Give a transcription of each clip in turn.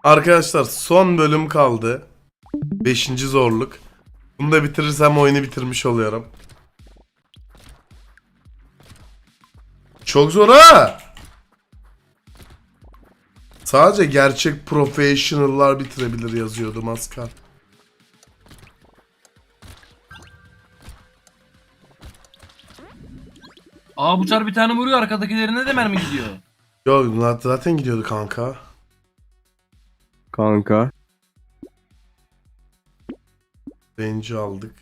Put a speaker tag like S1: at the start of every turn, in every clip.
S1: Arkadaşlar son bölüm kaldı. 5. zorluk. Bunu da bitirirsem oyunu bitirmiş oluyorum. Çok zor ha. Sadece gerçek professional'lar bitirebilir yazıyordu Maskar.
S2: Aa bu çar bir tane vuruyor, arkadakilerine de mermi gidiyor.
S1: Yok zaten gidiyordu kanka.
S3: Kanka.
S1: Range'i aldık.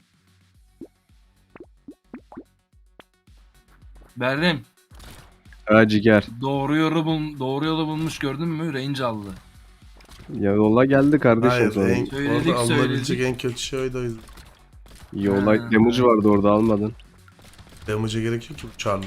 S2: Berdim.
S3: Ha ciger.
S2: Doğru yolu bulmuş, gördün mü? Range aldı.
S3: Ya yola geldi kardeşim
S1: Hayır,
S3: sonra.
S2: Söyledik,
S1: orada alınabilecek
S2: söyledik.
S1: en kötü şey oydu o yüzden.
S3: Yola
S2: Ha.
S3: damage vardı orada almadın.
S1: Damage'e gerek yok ki bu çarla.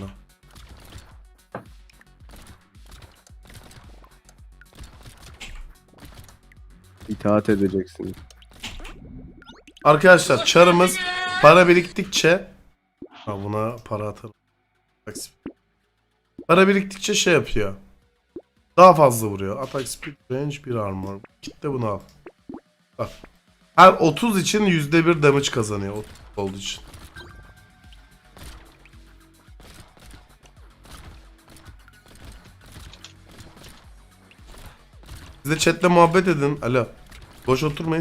S3: İtaat edeceksin.
S1: Arkadaşlar çarımız para biriktikçe buna para atarım. Para biriktikçe şey yapıyor. Daha fazla vuruyor. Attack speed, range, bir armor. Git de bunu al. Bak. Her 30 için %1 damage kazanıyor 30 olduğu için. Siz de chatle muhabbet edin. Alo. Boş oturmayın.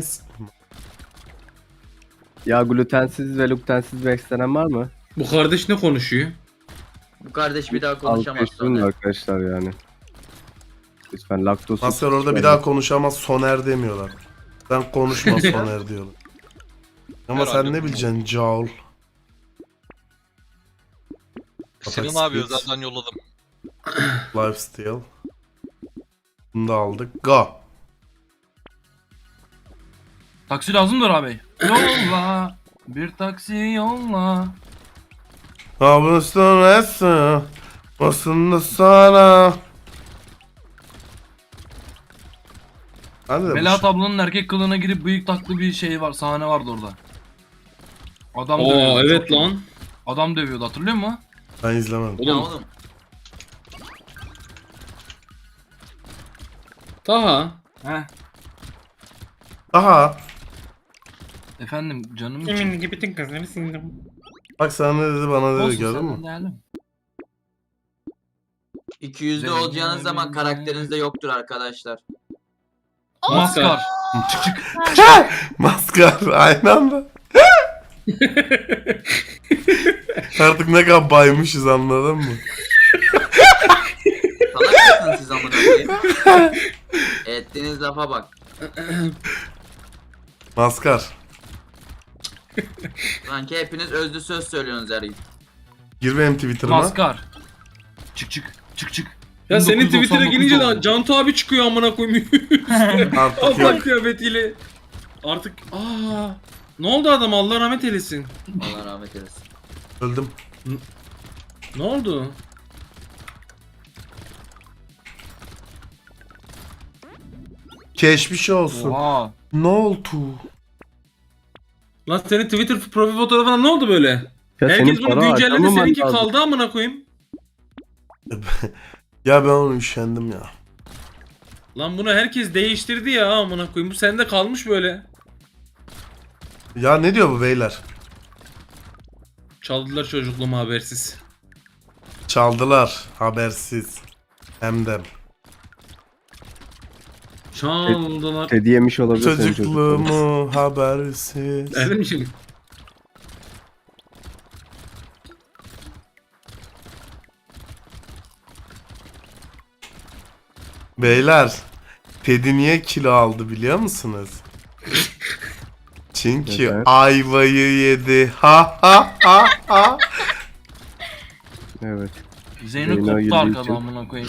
S3: Ya glutensiz ve luktensiz beslenen var mı?
S4: Bu kardeş ne konuşuyor?
S5: Bu kardeş bir daha konuşamaz
S3: Alkışlayın
S5: sonra.
S3: arkadaşlar yani. Lütfen laktoz.
S1: Master orada bir daha konuşamaz, Soner demiyorlar. Sen konuşma Soner diyorlar. Ama sen ne bileceksin Caul?
S6: Senin
S1: Atak
S6: abi
S1: speed,
S6: özelden yolladım.
S1: Lifesteal. Bunu da aldık. Go.
S2: Taksi lazımdır abi. Yolla. Bir taksi yolla.
S1: Ha bunu sonrası. Aslında sana. Hadi de
S2: Melahat ablanın erkek kılığına girip bıyık taklı bir şey var. Sahne vardı orada. Adam
S4: Aa
S2: dövüyordu.
S4: evet lan.
S2: Adam dövüyordu, hatırlıyor musun?
S1: ben izlemedim.
S5: Ya
S4: Oğlum
S5: oğlum.
S4: Taha.
S2: Heh.
S1: Aha.
S2: Efendim canım için.
S4: Emin gibi bütün kızları sildim.
S1: Bak sana ne dedi bana dedi
S2: Olsun,
S1: gördün
S2: senden
S1: mü?
S2: değerli.
S5: 200'lü olacağınız zaman karakterinizde yoktur arkadaşlar.
S2: Maskar.
S1: Maskar aynı anda. Artık ne kadar baymışız anladın mı?
S5: Salak mısınız siz amına koyayım? Ettiğiniz lafa bak.
S1: Maskar.
S5: Sanki hepiniz özlü söz söylüyorsunuz her gün.
S1: Gir benim Twitter'ıma.
S2: Maskar. Çık çık. Çık çık.
S4: Ya senin
S2: 1999
S4: Twitter'a gelince
S2: oldu.
S4: de Cantu abi çıkıyor amına koyayım.
S1: Artık
S4: Allah
S1: yok.
S4: kıyafetiyle. Artık ne oldu adam, Allah rahmet eylesin.
S5: Allah rahmet eylesin.
S1: Öldüm.
S4: Ne oldu?
S1: Geçmiş olsun.
S2: Oha.
S1: Ne oldu?
S4: Lan senin Twitter profil fotoğrafına ne oldu böyle?
S3: Ya
S4: Herkes
S3: senin
S4: bunu
S3: para
S4: güncelledi,
S3: harcamaman
S4: seninki
S3: lazım.
S4: kaldı amına koyayım.
S1: Ya ben onu üşendim ya.
S4: Lan bunu herkes değiştirdi ya amına koyayım. Bu sende kalmış böyle.
S1: Ya ne diyor bu beyler?
S4: Çaldılar çocukluğumu habersiz.
S1: Çaldılar habersiz. Hem de.
S4: Çaldılar.
S3: Kedi yemiş olabilir senin çocukların.
S1: Çocukluğumu habersiz.
S4: Öyle mi şimdi?
S1: Beyler. Teddy niye kilo aldı biliyor musunuz? Çünkü
S3: Neden?
S1: ayvayı yedi. Ha ha ha ha.
S3: Evet.
S2: Zeyno
S3: Zeyno
S2: koptu
S3: girdiği
S2: arkadan
S3: için.
S2: amına koyayım.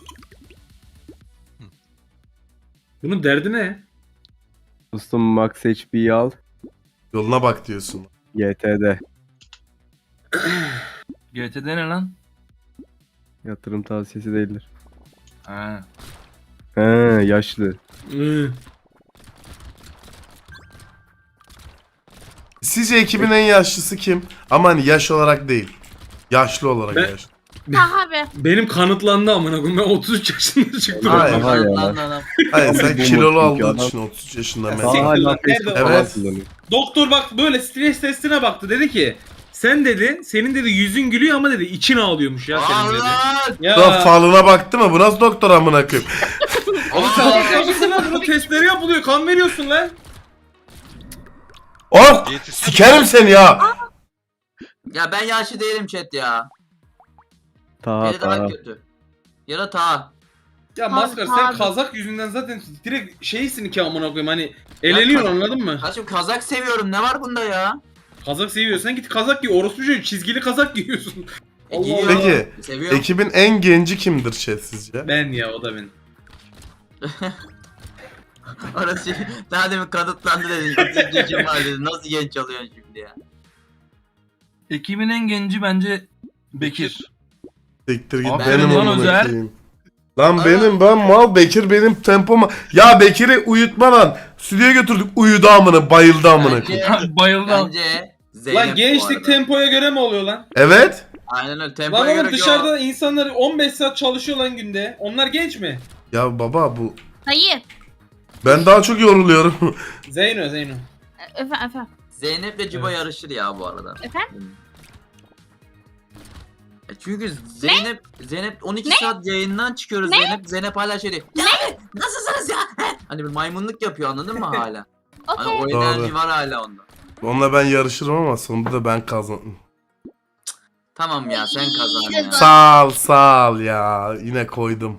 S4: Bunun derdi ne?
S3: Dostum Max HP'yi al.
S1: Yoluna bak diyorsun.
S3: YT'de.
S2: GT'de ne lan?
S3: Yatırım tavsiyesi değildir.
S2: Ha.
S3: He yaşlı.
S1: Sizce ekibin en yaşlısı kim? Ama hani yaş olarak değil. Yaşlı olarak
S4: Ben-
S1: yaşlı.
S6: Abi.
S4: Benim kanıtlandı amına koyayım. Ben 33 yaşında çıktım.
S1: Hayır.
S3: Aha ya.
S5: Lan adam.
S1: Hayır sen
S3: Bu
S1: kilolu
S3: çünkü
S1: aldığın
S3: adam-
S1: için 33 yaşında
S4: Ya
S3: Daha
S1: mesela.
S4: siktir lan,
S3: hala Facebook
S4: nerede?
S3: falan
S1: Evet.
S3: kullanıyor.
S4: Doktor bak böyle stres testine baktı. Dedi ki sen dedi senin dedi yüzün gülüyor ama dedi için ağlıyormuş ya senin dedi.
S5: Allah!
S4: Ya.
S1: Lan falına baktı mı? Bu nasıl doktor amına koyayım?
S4: Oğlum sen doktor musun lan? Bunun testleri yapılıyor. Kan veriyorsun lan.
S1: Oh! Sikerim seni ya.
S5: Ya ben yaşlı değilim chat ya.
S3: Taha
S5: Beni daha
S3: Taha.
S5: kötü. Ya da ta.
S4: Ya
S6: Abi,
S4: Maskar sen
S6: abi.
S4: kazak yüzünden zaten direkt şeysin ki amına koyayım hani eleniyorsun anladın mı?
S5: Kaçım kazak seviyorum. Ne var bunda ya?
S4: Kazak seviyorsan git kazak giy. Orospu çocuğu çizgili kazak giyiyorsun. Allah
S5: Giyiyorum.
S4: Allah.
S1: Peki,
S5: Seviyorum.
S1: ekibin en genci kimdir chat sizce?
S4: Ben ya o da ben.
S5: Orası daha demin kanıtlandı dedin. Kim var dedin. Nasıl genç oluyorsun şimdi ya?
S2: Ekibin en genci bence Bekir.
S1: Siktir git
S2: Aferin
S1: benim
S2: lan
S1: amına
S2: Özer.
S1: koyayım. Lan
S5: Aa.
S1: ben mal Bekir benim tempoma. Ya Bekir'i uyutma lan. Stüdyoya götürdük uyudu amına bayıldı amına koyayım.
S5: Bence,
S2: Bayıldım.
S5: bence Zeynep
S4: Lan
S5: bu
S4: gençlik
S5: arada.
S4: tempoya göre mi oluyor lan?
S1: Evet.
S5: Aynen öyle.
S4: Lan
S5: Tempoya
S4: oğlum
S5: göre
S4: dışarıda insanlar 15 saat çalışıyor lan günde. Onlar genç mi?
S1: Ya baba bu
S6: Hayır.
S1: ben daha çok yoruluyorum.
S4: Zeyno.
S6: Efendim.
S5: Zeynep'le Cibo
S4: Evet.
S5: yarışır ya bu arada.
S6: Efendim?
S5: Çünkü Zeynep 12 saat yayından çıkıyoruz Zeynep hala şey diyor. Ya nasılsınız ya? Hani bir maymunluk yapıyor anladın mı hala? Hani
S6: Okey.
S5: o
S1: Doğru.
S5: enerji var hala onda.
S1: Onunla ben yarışırım ama sonunda da ben kazandım.
S5: Tamam ya sen kazan ya.
S1: Sağ ol ya. Yine koydum.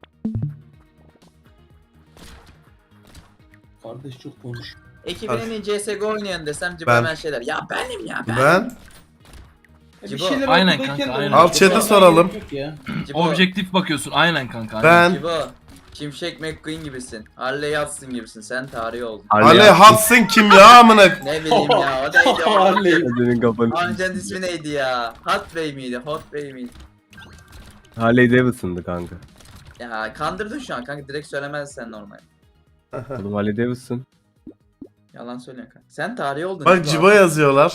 S4: Kardeş çok konuş.
S5: Ekibin en iyi CSGO oynayan desem Cibo
S1: Ben.
S5: hemen şeyler. Ya benim ya ben.
S1: Ben
S4: Bir
S5: Cibo.
S4: şeyler
S2: Aynen
S4: ortadayken
S2: kanka,
S4: de
S2: aynen.
S4: oynuyor.
S1: Al chat'e
S4: Cibo,
S1: soralım.
S4: yok ya.
S5: Cibo.
S2: Objektif bakıyorsun. Aynen kanka. Aynen.
S1: ben
S5: Cibo. Şimşek McQueen gibisin. Harley Yatsın gibisin. Sen tarihi oldun.
S1: Ale Hudson kim ya amına?
S5: Ne bileyim ya o neydi o?
S4: Harley.
S3: Senin kafanı.
S5: Amcanın ismi neydi ya? Hot Bey miydi? Hot Bey miydi?
S3: Harley Davidson'dı kanka.
S5: Ya kandırdın şu an kanka direkt söylemezsen normal.
S3: Oğlum Harley Davidson.
S5: Yalan söylüyorsun kanka. Sen tarihi oldun.
S1: Bak Cibo yazıyorlar.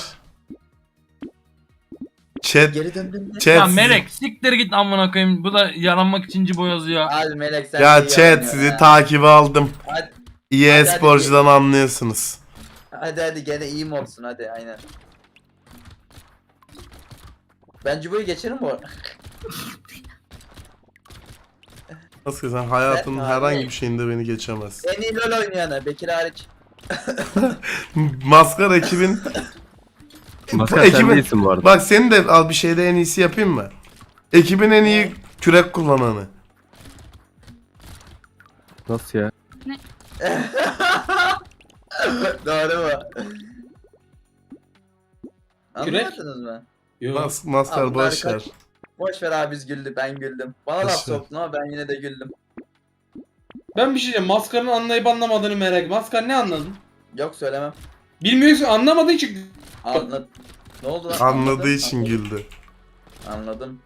S1: Chat
S5: Geri döndün mü?
S2: Ya
S1: chat
S2: Melek siktir git amına koyayım. Bu da yaranmak için cibo yazıyor.
S5: Hadi Melek sen
S1: ya
S5: de iyi
S1: chat
S5: oynuyorsun
S1: sizi
S5: ha.
S1: takibe aldım.
S5: Hadi,
S1: İyi
S5: Hadi,
S1: sporcudan anlıyorsunuz.
S5: hadi gene iyi mi olsun hadi aynen. Ben Cibo'yu geçerim bu arada.
S1: Nasıl sen hayatının
S5: Ben
S1: herhangi
S5: abi.
S1: bir şeyinde beni geçemezsin.
S5: En iyi LoL oynayanı Bekir hariç.
S1: Maskar ekibin
S3: Maskar
S1: ekibin-
S3: sen değilsin bu arada.
S1: bak senin de al bir şeyde en iyisi yapayım mı? Ekibin en iyi kürek kullananı.
S3: Nasıl ya?
S5: Doğru mu?
S4: Kürek?
S5: Anlamadınız mı?
S4: Yok.
S1: Maskar
S5: Abi bunlar
S1: boş ver.
S5: kaç- Boş ver abi biz güldük ben güldüm. Bana laf
S1: Boş ver.
S5: soktun ama ben yine de güldüm.
S4: Ben bir şey diyeceğim. Maskar'ın anlayıp anlamadığını merak. Maskar ne anladın?
S5: Yok söylemem.
S4: Bilmiyorsun anlamadığın için.
S5: Anladım. Ne oldu lan?
S1: Anladığı
S5: Anladım,
S1: için
S5: anladım.
S1: güldü.
S5: Anladım.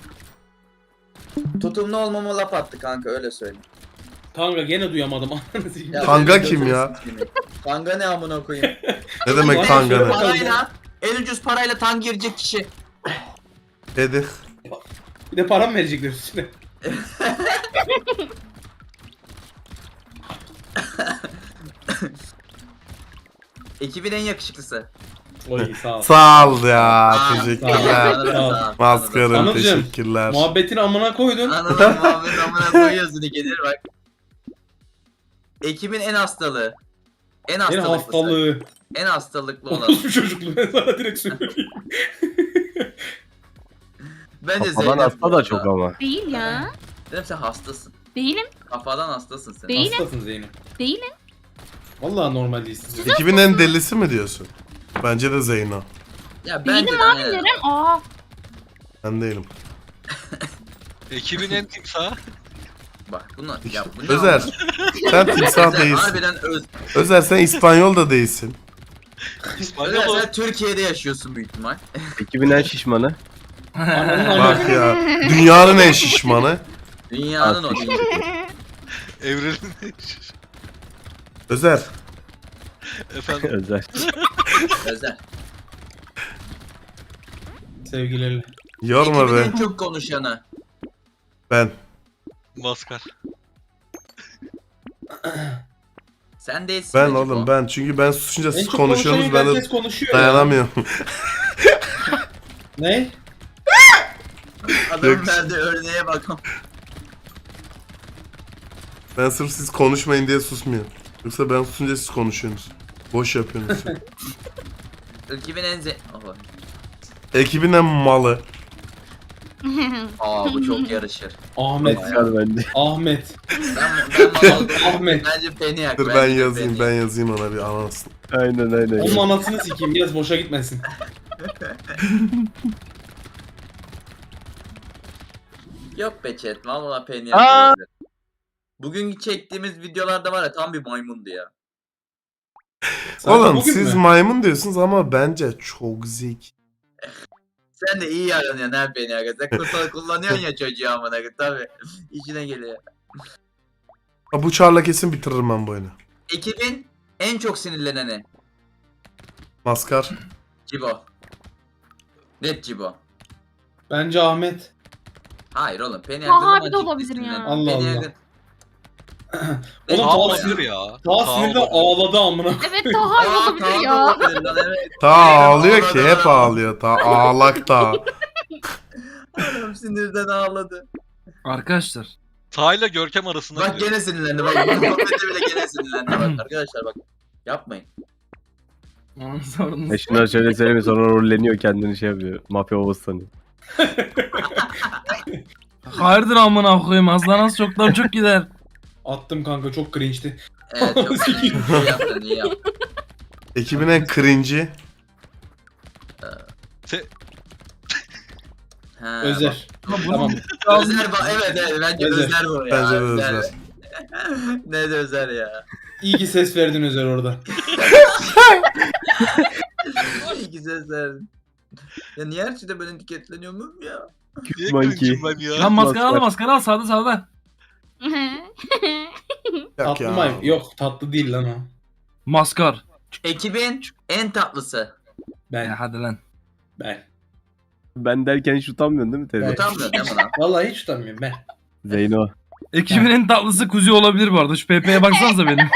S5: Tutumlu olmama laf attı kanka öyle söyleyeyim.
S4: Kanka gene duyamadım. Anladın
S5: Ya
S1: Kanga
S5: benim
S1: kim
S5: gözüm
S1: ya?
S5: sikeyim. Kanga ne amına koyayım?
S1: Ne demek
S4: Bana
S1: kanga
S4: söyle
S1: ne?
S4: bak.
S5: Parayla en ucuz parayla tank girecek kişi.
S1: Dedik.
S4: Bir de param verecekler üstüne.
S5: Ekibin en yakışıklısı.
S4: Oy sağ ol.
S1: Sağ ol ya.
S5: Aa,
S1: Teşekkürler.
S5: sağ ol.
S1: Maskarım
S4: Anılcım,
S1: teşekkürler.
S4: Muhabbetini amına koydun.
S5: Anladım Muhammed amına koyuyorsun ikidir bak. Ekibin en hastalığı. En
S4: En
S5: hastalıklısı.
S4: hastalığı.
S5: En hastalıklı olan.
S4: Orospu çocukluğu ben sana direkt söyleyeyim.
S5: Bence
S3: Kafadan
S5: Zeynep.
S3: hasta
S5: bu
S3: da
S5: arada.
S3: çok ama.
S6: Değil ya.
S5: Zeynep sen hastasın.
S6: Değilim.
S5: Kafadan hastasın sen.
S6: Değilim.
S4: Hastasın Zeynep.
S6: Değilim.
S4: Vallahi normal değilsin.
S1: Ekibin en delisi mi diyorsun? Bence de Zeyno.
S5: Ya bence
S6: Değilim
S5: de
S6: abi
S5: aynen.
S6: Neren. Aa.
S1: Ben değilim.
S7: Ekibin en timsahı.
S5: Bak bunlar ya bu ne
S1: Özer.
S5: anlamı?
S1: Sen timsah
S5: Özer,
S1: değilsin.
S5: harbiden
S1: Özer sen İspanyol da değilsin.
S7: İspanyol
S5: Özer
S7: o.
S5: sen Türkiye'de yaşıyorsun büyük ihtimal.
S3: Ekibin en şişmanı.
S1: Bak ya. Dünyanın en şişmanı.
S5: Dünyanın o değil.
S7: Evrenin
S1: Özer.
S7: efendim.
S3: Özel.
S5: Özer.
S4: Sevgilerle.
S1: Yorma
S5: Ekibin
S1: be.
S5: en çok konuşanı.
S1: Ben.
S7: Maskar.
S5: Sen değilsin.
S1: Ben
S5: Recep
S1: oğlum
S5: o.
S1: ben. Çünkü ben susunca
S4: En
S1: siz
S4: çok
S1: konuşuyorsunuz
S4: konuşan
S1: ben de
S4: herkes konuşuyor ya.
S1: dayanamıyorum.
S4: Ne?
S5: Adamın
S1: Yok.
S5: verdiği örneğe bakalım.
S1: Ben sırf siz konuşmayın diye susmuyorum. Yoksa ben susunca siz konuşuyorsunuz. Boş yapıyorsunuz.
S5: Ekibin en Oha.
S1: Ekibin en malı.
S5: Aa bu çok yarışır.
S4: Ahmet.
S3: Maskar bence.
S4: Ahmet.
S5: Ben mal aldım.
S4: Ahmet.
S5: Bence Peniak.
S1: Dur ben yazayım ben yazayım ona bir anasını.
S3: Aynen.
S4: Onun anasını sikeyim. Biraz boşa gitmesin.
S5: Yok be chat. Valla Peniak
S3: Aa!
S5: olabilir. Bugün çektiğimiz videolarda var ya tam bir maymundu ya.
S4: Sadece
S1: Oğlum
S4: bugün
S1: siz
S4: mü?
S1: maymun diyorsunuz ama bence çok zeki.
S5: Sen de iyi yaranıyorsun ha Peniak. Sen kullanıyorsun ya çocuğu amına koyayım. Tabii. İşine geliyor.
S1: Ha, bu çarla kesin bitiririm ben bu oyunu.
S5: Ekibin en çok sinirleneni.
S1: Maskar.
S5: Cibo. Net Cibo.
S4: Bence Ahmet.
S5: Hayır oğlum Peniak
S6: Aha,
S5: zaman
S6: bir de
S5: ciddi
S6: olabilir ya.
S5: sinirlendi.
S4: Allah Allah.
S5: Peniak'ın-
S4: Oğlum
S7: Kaan
S4: Taha
S7: olabilir ya.
S4: Daha sinirde
S7: olabilir.
S4: ağladı amına.
S6: Evet daha iyi
S5: Aa,
S6: olabilir
S5: Kaan
S6: ya.
S5: olabilir lan, evet.
S1: Ta ağlıyor
S5: Ağladı
S1: ki hep
S5: adam.
S1: ağlıyor. Ta ağlak ta.
S5: Adam sinirden ağladı.
S2: Arkadaşlar.
S7: Taha'yla Görkem arasında
S5: Bak
S7: gidiyor.
S5: gene sinirlendi bak. Bu muhabbete bile gene sinirlendi bak. Arkadaşlar bak. Yapmayın.
S2: Aman sorunuz.
S3: Ya şunları şöyle söyleyeyim sonra rolleniyor kendini şey yapıyor. Mafya babası sanıyor.
S2: Hayırdır amına koyayım. Aslanaz çoktan çok gider.
S4: Attım kanka çok cringe'ti.
S5: Evet çok iyi yaptın iyi yaptın.
S1: Ekibin en cringe'i.
S5: Ha,
S4: Özer.
S2: Ama bunu
S4: Tamam.
S5: bak. Özer evet bence
S4: Özer.
S5: Özer bu ya.
S1: Bence de Özer.
S5: Ne de Özer ya.
S4: İyi ki ses verdin Özer orada.
S5: İyi ki ses verdin. Ya niye her şeyde ben etiketleniyor muyum ya?
S7: Niye
S3: Monkey.
S7: kırıcım ben ya?
S2: Lan maskara al sağda sağda.
S1: Yok
S4: Tatlı
S1: ya.
S4: mı? Yok tatlı değil lan o.
S2: Maskar.
S5: Ekibin en tatlısı.
S4: Ben.
S2: Ya hadi lan.
S3: Ben derken hiç utanmıyorsun değil mi Tezgah?
S4: Evet.
S5: Utanmıyor değil mi lan?
S4: Vallahi hiç utanmıyorum ben.
S3: Zeyno.
S2: Ekibin en tatlısı Kuzi olabilir bu arada. Şu PP'ye baksanıza benim.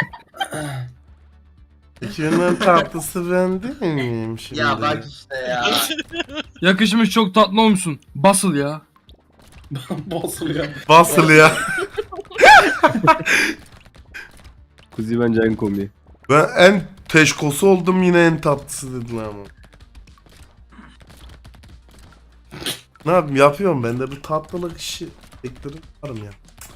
S1: Ekibin en tatlısı ben değil miyim şimdi?
S5: Ya bak işte ya.
S2: Yakışmış çok tatlı olmuşsun. Basıl ya.
S4: Bozuluyor.
S1: Basıl ya.
S3: Kuzi bence en komiği.
S1: Ben en teşkosu oldum yine en tatlısı dediler ama. Ne yapayım yapıyorum ben de bu tatlılık işi beklerim varım ya.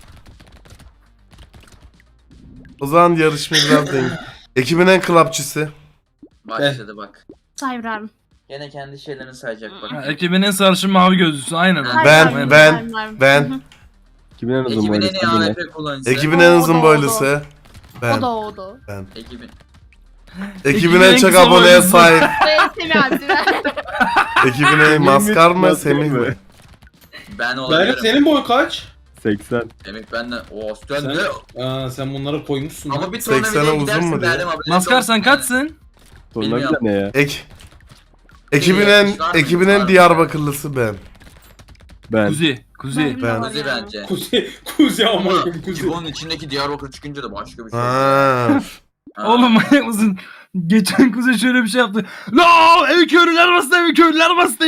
S1: O zaman yarışmayı biraz denk. Ekibin en klapçısı.
S5: Başladı bak.
S6: Saybrarım.
S5: Gene kendi şeylerini sayacak
S2: Ha,
S5: bak.
S2: ekibin en sarışın mavi gözlüsü. Aynen.
S5: Ha.
S1: Ben.
S3: Kimin en uzun
S5: Ekibin en
S3: boylusu
S5: iyi
S3: bu ne?
S5: AWP kullanıcısı.
S1: Ekibin en uzun
S6: O da,
S1: boylusu. Ben.
S6: O da.
S5: Ekibin.
S1: Ekibin en çok
S2: kısa
S1: aboneye
S2: boylusu.
S1: sahip.
S6: Semih abi.
S1: Ekibin en maskar mı
S3: Maskar
S1: Semih
S3: mı?
S1: mi?
S5: Ben
S4: Berk
S5: olabilirim.
S4: senin boy kaç?
S3: 80.
S5: Demek benden. O sen
S4: Sen,
S5: de.
S4: sen bunları koymuşsun.
S5: Ama
S4: Ama
S5: bir
S1: 80'e
S5: tornavidaya
S1: uzun
S5: gidersin
S1: mu diyor?
S5: derdim haberin
S2: Maskar
S5: olsun
S2: sen
S5: yani.
S2: kaçsın?
S3: Sonra bir
S5: Bilmiyorum.
S3: de ne ya?
S1: Ekibin en
S5: Var mı?
S1: ekibin
S5: Var
S1: en
S5: mı?
S1: Diyarbakırlısı ben.
S3: Ben.
S2: Kuzi.
S1: Ben.
S5: Kuzi bence.
S4: Kuzi ama
S5: Ama
S4: kuzi.
S5: Cibo'nun içindeki Diyarbakır çıkınca da başka bir şey.
S1: Ha.
S5: Ha.
S2: Oğlum manyak mısın? Geçen Kuzi şöyle bir şey yaptı. La ev köylüler bastı ev köylüler bastı.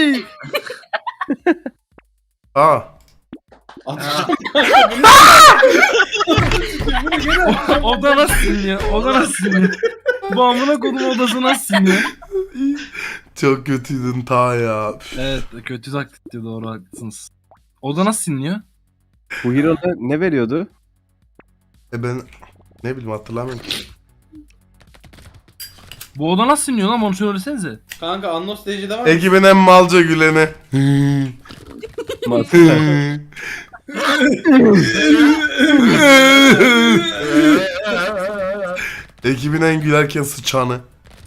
S1: Aa.
S4: Atacağım.
S2: O da nasıl sinirliyor? O da nasıl sinirliyor? Bu amına kodum odası nasıl sinirliyor?
S1: Çok kötüydün ta ya.
S2: Evet kötü taktikti doğru haklısınız. O da nasıl sinirliyor?
S3: Bu Hero'da ne veriyordu?
S1: Ben ne bileyim hatırlamıyorum ki.
S2: Bu oda nasıl sinirliyor lan onu söylesenize.
S4: Kanka Annos DC'de var mı?
S1: Ekibin en malca güleni.
S3: Maskar.
S1: Ekibin en gülerken sıçanı.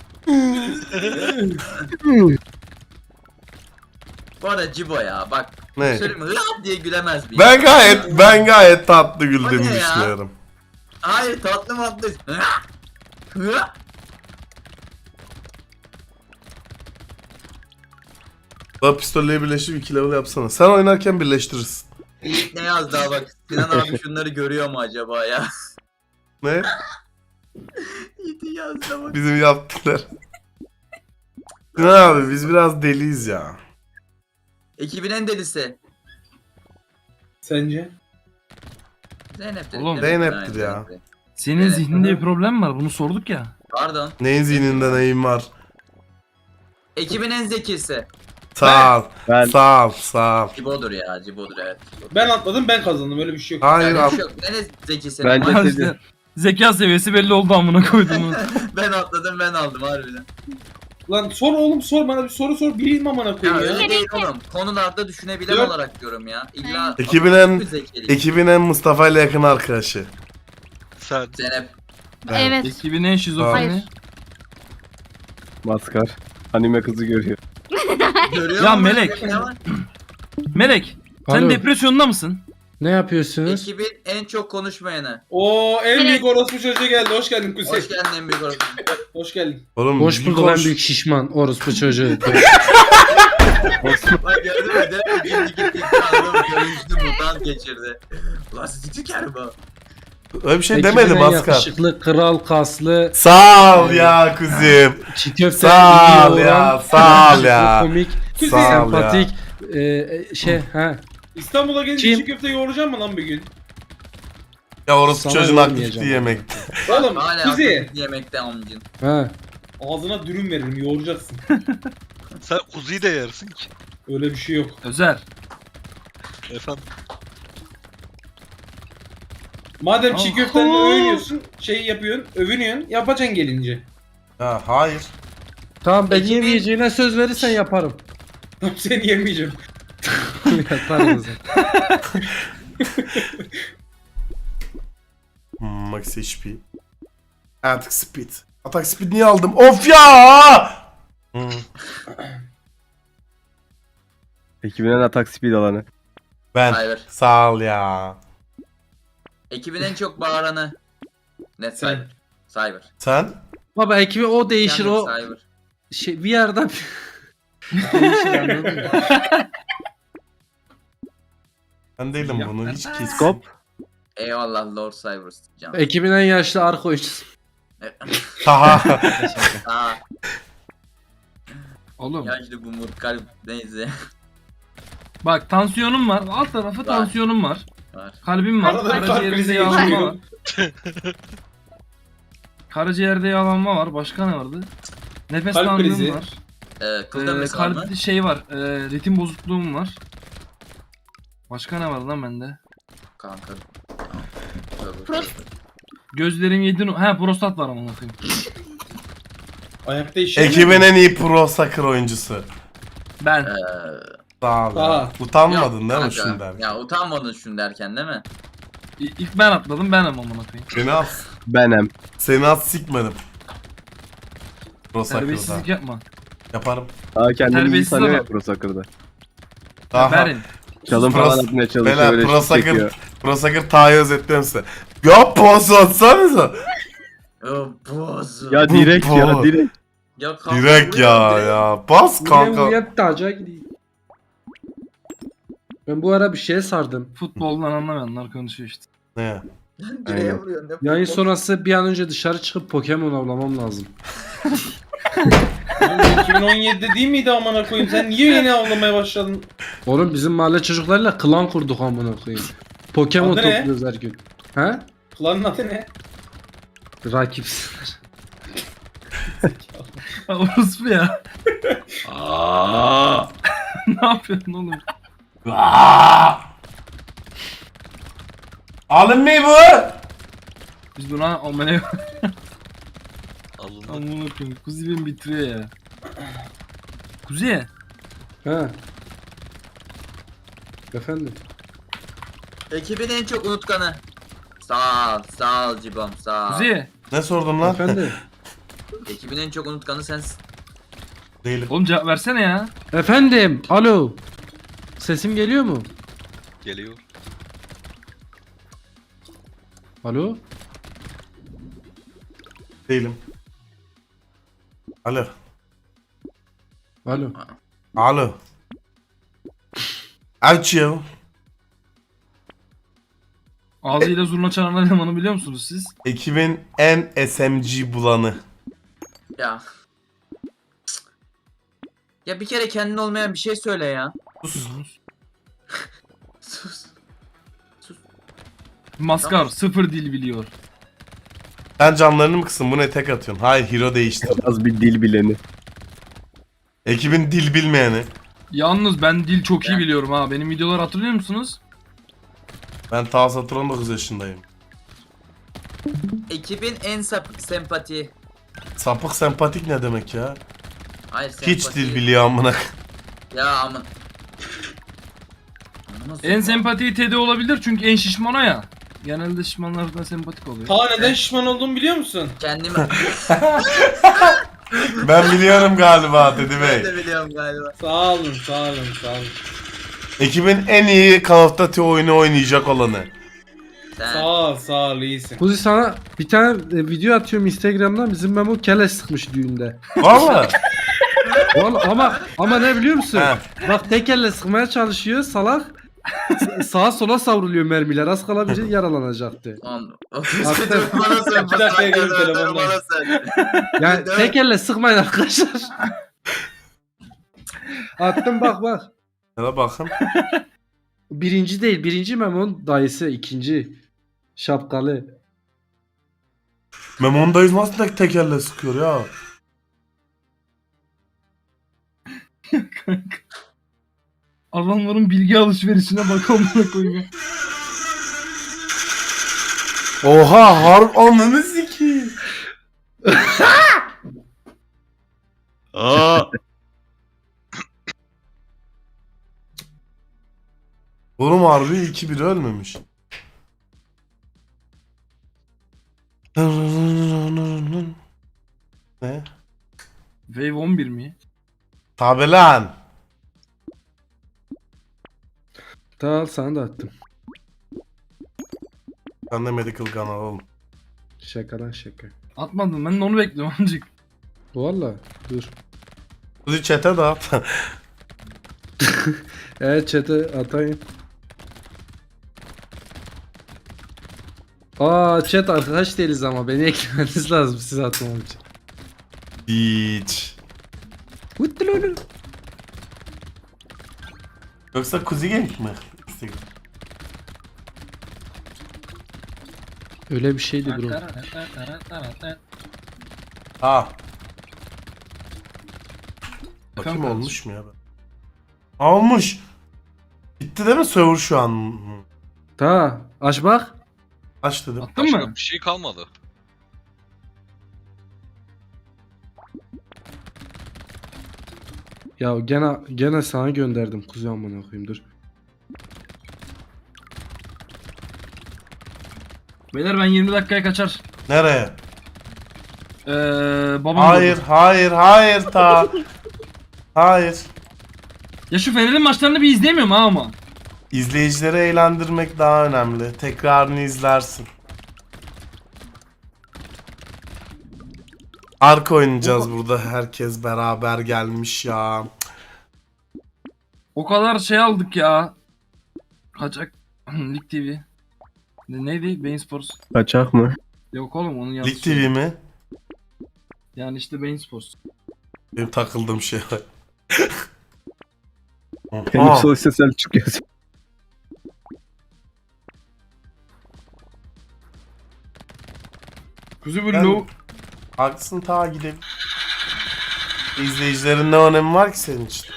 S5: Bu arada Cibo ya bak.
S1: Ne?
S5: Söyleyeyim mi? Hıh diye gülemez bir.
S1: Ben gayet tatlı
S5: O
S1: güldüğümü
S5: ne ya?
S1: düşünüyorum.
S5: Hayır tatlı matlı. Hıh. Hıh.
S1: Daha pistolleri birleştirip 2 level yapsana. Sen oynarken birleştirirsin.
S5: Ne yazdı daha bak. Sinan abi şunları görüyor mu acaba ya?
S1: Ne?
S5: Yiğit'i yazdı bak.
S1: Bizim yaptılar. Ne abi biz biraz deliyiz ya.
S5: Ekibin en delisi.
S4: Sence?
S5: Zeynep'tir.
S2: Oğlum,
S1: Zeynep'tir ya.
S2: Senin
S5: Evet.
S2: zihninde bir problem var. Bunu sorduk ya.
S5: Pardon.
S1: Neyin zihninde neyim var?
S5: Ekibin en zekisi.
S1: Sağ ol.
S3: Ben
S1: Sağ ol. Sağ ol.
S5: Cibo'dur ya. Cibo'dur evet. Cibo'dur.
S4: Ben atladım ben kazandım öyle bir şey yok.
S1: Hayır
S5: Yani
S1: abi.
S5: bir şey yok. Neresi zekisi?
S3: Bence-
S5: Ben,
S2: İşte zeka seviyesi belli oldu amına koyduğumu.
S5: ben atladım ben aldım harbiden.
S4: Lan sor oğlum sor bana bir soru sor bileyim amına
S5: Ya
S4: koyayım ya.
S5: öyle değil oğlum. Konularda düşünebilen
S4: Dört.
S5: olarak diyorum ya. İlla
S1: Ekibin en-
S5: zekeli.
S1: Ekibin en Mustafa ile yakın arkadaşı.
S7: Sen
S5: Zeynep.
S6: Evet.
S2: Ekibin en şizofreni.
S6: Hayır.
S3: maskar. Anime kızı görüyor.
S5: Görüyor
S2: Ya
S5: musun?
S2: Melek.
S5: Ne var?
S2: Melek. Sen
S8: Alo.
S2: depresyonda mısın?
S8: Ne yapıyorsunuz?
S5: Ekibin en çok konuşmayanı.
S4: Oo en büyük
S6: Evet.
S4: orospu çocuğu geldi. Hoş geldin Kuzey.
S5: Hoş geldin en büyük orası.
S4: Hoş geldin.
S1: Oğlum
S8: Hoş
S1: bir
S8: bulduk en
S1: konuş-
S8: büyük şişman orospu çocuğu.
S5: Bak gördün mü? Direkt gitti adam görünüşlü mutant geçirdi. Ulan sizi tüker bu.
S1: Öyle bir şey
S8: Ekibin
S1: demedim
S8: en
S1: Askar.
S8: yakışıklı, kral, kaslı,
S1: Sağ ol ya kuzum.
S8: çiğ köfte
S1: Sağ ol
S8: iyi
S1: ya.
S8: olan,
S1: Sağ ol ya.
S8: komik,
S4: Kuzey.
S1: Sağ ol ya.
S8: sempatik, ha.
S4: İstanbul'a gelince
S8: Kim?
S4: çiğ köfte yoğuracağım mı lan bir gün?
S1: Ya orası
S8: Sana
S1: çocuğun
S8: yormayacağım.
S1: aktifliği yemekti.
S4: Oğlum
S5: Hala
S4: Kuzey.
S5: akıllı yemekte amcın.
S8: Ha.
S4: Ağzına dürüm veririm yoğuracaksın.
S7: sen kuzuyu da yersin ki.
S4: Öyle bir şey yok.
S2: Özer.
S7: Efendim.
S4: Madem çiğ
S2: Aa.
S4: köftenle övünüyorsun, şey yapıyorsun, övünüyorsun, yapacaksın gelince.
S1: Ha hayır.
S8: Tamam ben
S5: Ekibin-
S8: yemeyeceğine söz verirsen yaparım.
S4: Seni yemeyeceğim.
S8: Yaparım zaten.
S1: Max HP. Attack Speed. Attack Speed niye aldım? Of ya! Hmm.
S3: Ekibin en atak speed alanı.
S1: Ben.
S5: Cyber.
S1: Sağ ol ya.
S5: Ekibin en çok bağıranı. Net
S4: Sen.
S5: Cyber. Cyber.
S1: Sen?
S8: Baba ekibi o değişir
S5: Kendi
S8: o
S5: Cyber.
S8: şey bir yerden değişir anladın mı?
S1: Ben değilim bunu hiç kes.
S3: Skop.
S5: Eyvallah Lord Cyber. Can.
S8: Ekibin en yaşlı arka oyuncusu.
S1: Haha.
S5: Aa,
S2: Oğlum.
S5: yaşlı bu kalp neyse.
S2: Bak tansiyonum var. Alt tarafı tansiyonum var.
S5: Var.
S2: Kalbim var.
S4: Arada bir kalp
S2: Karaciğerimde
S4: krizi
S2: yağlanma var.
S4: geçiriyor.
S2: Karaciğerde yağlanma var. Başka ne vardı? Nefes
S4: Kalp
S2: darlığım
S4: krizi.
S2: var.
S5: Kılda mesela mı?
S2: Kalp şey var. Ritim bozukluğum var. Başka ne var lan bende?
S5: Kanka.
S6: Prost.
S2: Gözlerim yedi. Ha prostat var amına koyayım.
S4: Ayakta işe
S1: Ekibin en iyi pro soccer oyuncusu.
S2: Ben.
S1: Sağ ol ya.
S4: Aa.
S1: Utanmadın değil mi şunu derken?
S5: Ya utanmadın şunu derken değil mi?
S2: İlk ben atladım. Ben amına koyayım.
S1: Seni at.
S3: Benem.
S1: Seni at sikmedim. Pro soccer'da.
S2: Terbiyesizlik yapma.
S1: Yaparım.
S3: Daha kendini iyi
S2: Terbiyesiz
S3: sanıyor ya
S2: adam.
S3: Pro Soccer'da.
S1: Daha.
S2: Verin.
S3: Çalım
S1: Pro-
S3: falan atmaya çalışıyor.
S1: Beyler
S3: Öyle
S1: Pro
S3: şut çekiyor.
S1: Soccer, Pro Soccer Taha'yı özetliyorum size. Ya pas atsanıza.
S5: Boz.
S3: Ya direkt ya
S1: Bu.
S3: direkt.
S5: Ya kanka,
S1: Direkt
S5: buraya
S1: ya
S5: direkt.
S1: ya. Pas kanka.
S8: Uyan taca gideyim. Ben bu ara bir şeye sardım.
S2: Futboldan anlamayanlar konuşuyor işte.
S1: Ne?
S5: Direğe
S3: Aynen.
S5: vuruyorsun.
S8: Yayın sonrası bir an önce dışarı çıkıp Pokemon avlamam lazım.
S4: Oğlum 2017'de değil miydi amına koyayım? Sen niye yeni avlamaya başladın?
S8: Oğlum bizim mahalle çocuklarıyla klan kurduk amına koyayım. Pokemon
S4: Adı ne?
S8: topluyoruz her gün. He?
S4: Klanın adı ne?
S8: Rakipsizler.
S2: Orospu ya. Ne yapıyorsun oğlum?
S1: Alın mı bu?
S2: Biz buna amına
S7: Alındı.
S2: amına koyayım. Kuzi beni bitiriyor ya. Kuzi.
S8: He. Efendim.
S5: Ekibin en çok unutkanı. Sağ ol Cibom sağ ol.
S2: Kuzi.
S1: Ne sordun lan?
S8: Efendim.
S5: Ekibin en çok unutkanı sensin.
S1: Değilim.
S2: Oğlum cevap versene ya.
S8: Efendim. Alo. Sesim geliyor mu?
S7: Geliyor.
S8: Alo.
S1: Değilim. Alo.
S8: Alo.
S1: Alo. Aç ya.
S2: Ağzıyla zurna çalan elemanı biliyor musunuz siz?
S1: Ekibin en SMG bulanı.
S5: Ya. Ya bir kere kendin olmayan bir şey söyle ya.
S1: Sus.
S5: Sus.
S2: Maskar sıfır dil biliyor.
S1: Sen camlarını mı kısın? Bu ne tek atıyorsun? Hayır, hero değiştir.
S3: Az bir dil bileni.
S1: Ekibin dil bilmeyeni.
S2: Yalnız ben dil çok iyi biliyorum ha. Benim videoları hatırlıyor musunuz?
S1: Ben ta satır 19 yaşındayım.
S5: Ekibin en sempati.
S1: Sapık sempatik ne demek ya?
S5: Hayır sempati.
S1: Hiç dil biliyor amına.
S5: Ya aman.
S2: En sempatiği Teddy olabilir çünkü en şişman o ya. Genelde şişmanlardan sempatik oluyor.
S4: Ta neden şişman olduğumu biliyor musun?
S5: Kendimi
S1: Ben biliyorum galiba Teddy
S5: ben
S1: Bey.
S5: de biliyorum galiba.
S4: Sağ olun, sağ olun, sağ olun.
S1: Ekibin en iyi Call of Duty oyunu oynayacak olanı.
S5: Sen.
S4: Sağ ol, iyisin.
S8: Kuzi sana bir tane video atıyorum Instagram'dan. Bizim Memo kele sıkmış düğünde.
S1: Valla.
S8: Vallahi ama ne biliyor musun?
S1: He.
S8: Bak tek elle sıkmaya çalışıyor salak. Sağa sola savruluyor mermiler. Az kala bir yaralanacaktı.
S5: Tamam.
S8: Hakikaten.
S5: Bana söyle.
S4: İki dakikaya gelin telefonla.
S5: Bana söyle.
S8: Yani tek elle sıkmayın arkadaşlar. Attım bak.
S1: Hele bakın.
S8: Birinci değil. Birinci Memo'nun dayısı. İkinci. Şapkalı.
S1: Memo'nun dayısı nasıl tek elle sıkıyor ya?
S2: Adamların bilgi alışverişine bak amına koyayım.
S1: Oha, harp ananı sikeyim. Aa. Oğlum harbi 2-1 ölmemiş. Ne?
S2: Wave 11 mi?
S1: Tabi lan.
S8: Tamam sana da attım.
S1: Ben de medical gun alalım.
S8: Şaka lan şaka.
S2: Atmadım ben de onu bekliyorum amcık.
S8: Valla dur.
S1: Kuzi chat'e dağıt.
S8: Evet chat'e atayım. Chat arkadaş değiliz ama beni eklemeniz lazım size atmam için.
S1: Hiç. Yoksa Kuzi Genç mi?
S8: Öyle bir şeydi bro.
S1: Ha. Bakayım
S2: Kanka.
S1: olmuş mu ya? Olmuş. Bitti değil mi server şu an?
S8: Ta aç bak.
S1: Aç dedim.
S2: Attın
S7: Başka
S2: mı?
S7: bir şey kalmadı.
S8: Ya gene sana gönderdim kuzu amına koyayım dur.
S2: Beyler ben 20 dakikaya kaçar.
S1: Nereye?
S2: Babam
S1: Hayır,
S2: doğdu.
S1: hayır ta. Hayır.
S2: Ya şu Fener'in maçlarını bir izleyemiyorum ha ama.
S1: İzleyicileri eğlendirmek daha önemli. Tekrarını izlersin. Ark oynayacağız burada. Herkes beraber gelmiş ya.
S2: O kadar şey aldık ya. Kaçak. Lig TV. Neydi? Bein Sports.
S3: Kaçak mı?
S2: Yok oğlum onun yanlış.
S1: Lig TV mi?
S2: Yani işte Bein Sports.
S1: Benim takıldığım şey var.
S3: Benim
S1: Oha.
S3: sosyal Selçuk yazıyor.
S2: Kuzu bu
S1: Ben-
S2: low.
S1: Haklısın ta gidelim. İzleyicilerin ne önemi var ki senin için?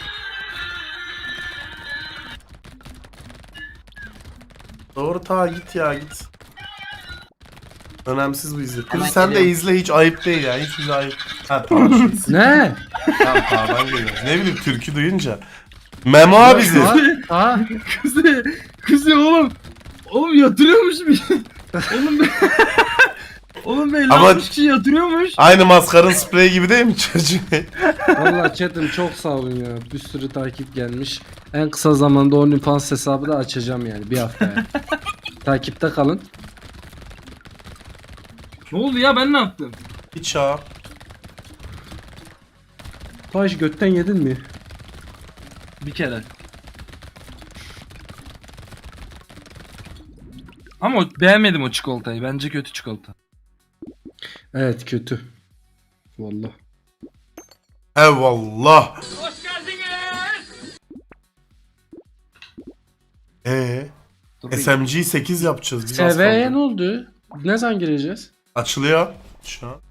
S1: Doğru ta git ya git. Önemsiz bu izle. Kız
S5: Hemen
S1: sen de
S5: geliyorum.
S1: izle hiç ayıp değil ya. Hiç bize ayıp. Ha tamam.
S8: Ne?
S1: Tamam tamam geliyorum. Ne bileyim türkü duyunca. Memo abizi.
S2: Kuzu oğlum. Oğlum yatırıyormuş bir. Oğlum be. Oğlum be
S1: Ama-
S2: 60 kişi yatırıyormuş.
S1: Aynı maskarın spreyi gibi değil mi çocuğum?
S8: Valla chat'im çok sağ olun ya. Bir sürü takip gelmiş. En kısa zamanda OnlyFans hesabı da açacağım yani bir haftaya. Takipte kalın.
S2: Ne oldu ya ben ne yaptım?
S1: Hiç ya.
S8: Taş götten yedin mi?
S2: Bir kere. Ama beğenmedim o çikolatayı. Bence kötü çikolata.
S8: Evet kötü. Vallahi.
S1: Eyvallah.
S2: Dur bir-
S1: SMG 8 yapacağız. Biz az
S8: SV'ye
S1: kaldı.
S8: ne oldu? Ne zaman gireceğiz?
S1: Açılıyor şu an.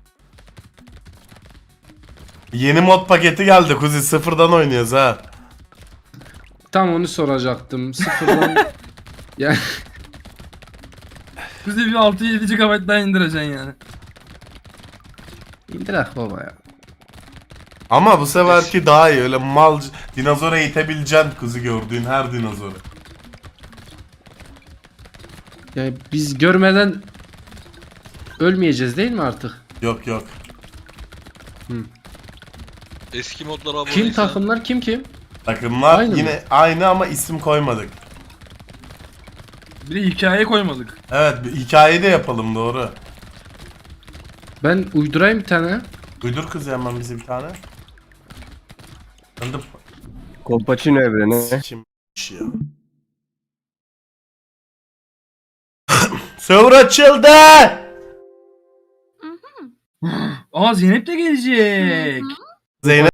S1: Yeni mod paketi geldi Kuzi. Sıfırdan oynuyoruz ha.
S8: Tam onu soracaktım. Sıfırdan... ya,
S2: Bize bir 6-7 GB daha indireceksin yani.
S8: indirek baba ya.
S1: Ama bu seferki daha iyi. Öyle mal dinozora itebileceksin Kuzi, gördüğün her dinozoru.
S8: Yani biz görmeden ölmeyeceğiz değil mi artık?
S1: Yok yok.
S7: Eski modlara abone
S8: Kim takımlar kim?
S1: Takımlar
S8: Aynı
S1: yine aynı ama isim koymadık.
S2: Bir de hikaye koymadık.
S1: Evet, bir hikayeyi de yapalım, doğru.
S8: Ben uydurayım bir tane.
S1: Uydur kız hemen bize bir tane. Ben de
S3: Kolpaçino evreni.
S1: kim ya. Server açıldı.
S2: Aa Zeynep de gelecek.
S1: Zeynep